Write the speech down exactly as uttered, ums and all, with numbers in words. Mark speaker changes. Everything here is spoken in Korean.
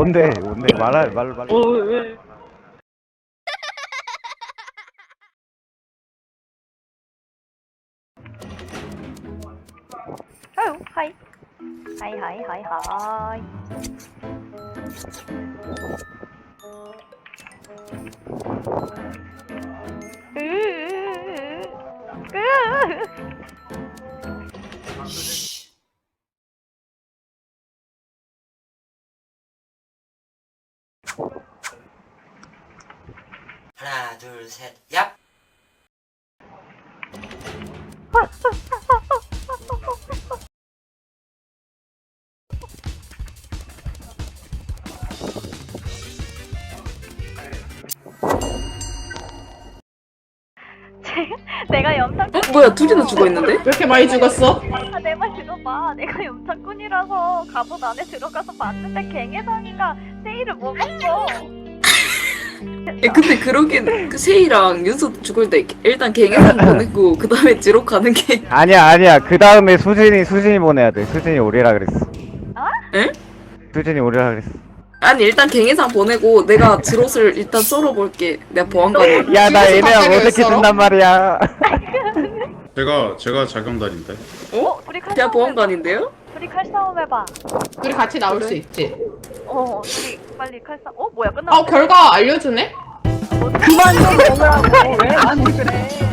Speaker 1: 뭔데 뭔데 말할 말 말.
Speaker 2: 어 왜?
Speaker 3: 아유 하이 하이 하이 하이 하이. 으으으으. 으으으으.
Speaker 4: 하나 둘 셋 얍!
Speaker 3: 내가 염탁.
Speaker 2: 어? 뭐야 둘이나 죽어있는데?
Speaker 5: 왜 이렇게 많이 죽었어?
Speaker 3: 아, 내 말 들어봐. 내가 염탁꾼이라서 갑옷 안에 들어가서 봤는데 갱해상이가 세일을 먹었어.
Speaker 2: 야 근데 그러긴 그 세이랑 윤서 죽을 때 일단 갱해상 보내고 그 다음에 지로 가는 게
Speaker 1: 아니야 아니야 그 다음에 수진이 수진이 보내야 돼. 수진이 오리라 그랬어.
Speaker 2: 에?
Speaker 1: 수진이 오리라 그랬어.
Speaker 2: 아니 일단 갱해상 보내고 내가 지롯을 일단 썰어볼게. 내가 보안관을.
Speaker 1: 야 나
Speaker 5: 지금
Speaker 1: 얘네랑
Speaker 5: 갑자기
Speaker 1: 어떻게
Speaker 5: 왜 썰어?
Speaker 1: 준단 말이야.
Speaker 6: 제가 제가 자경단인데.
Speaker 3: 어? 둘이 칼
Speaker 2: 제가
Speaker 3: 싸움 해봐.
Speaker 2: 보안관인데요?
Speaker 3: 둘이 칼 싸움 해봐.
Speaker 5: 둘이 같이 나올 수 있지.
Speaker 3: 어, 둘이 빨리 칼 싸움. 어, 뭐야 끝났어.
Speaker 5: 어 결과 알려주네?
Speaker 3: 그만 좀 먹으라고. 왜 아니 그래.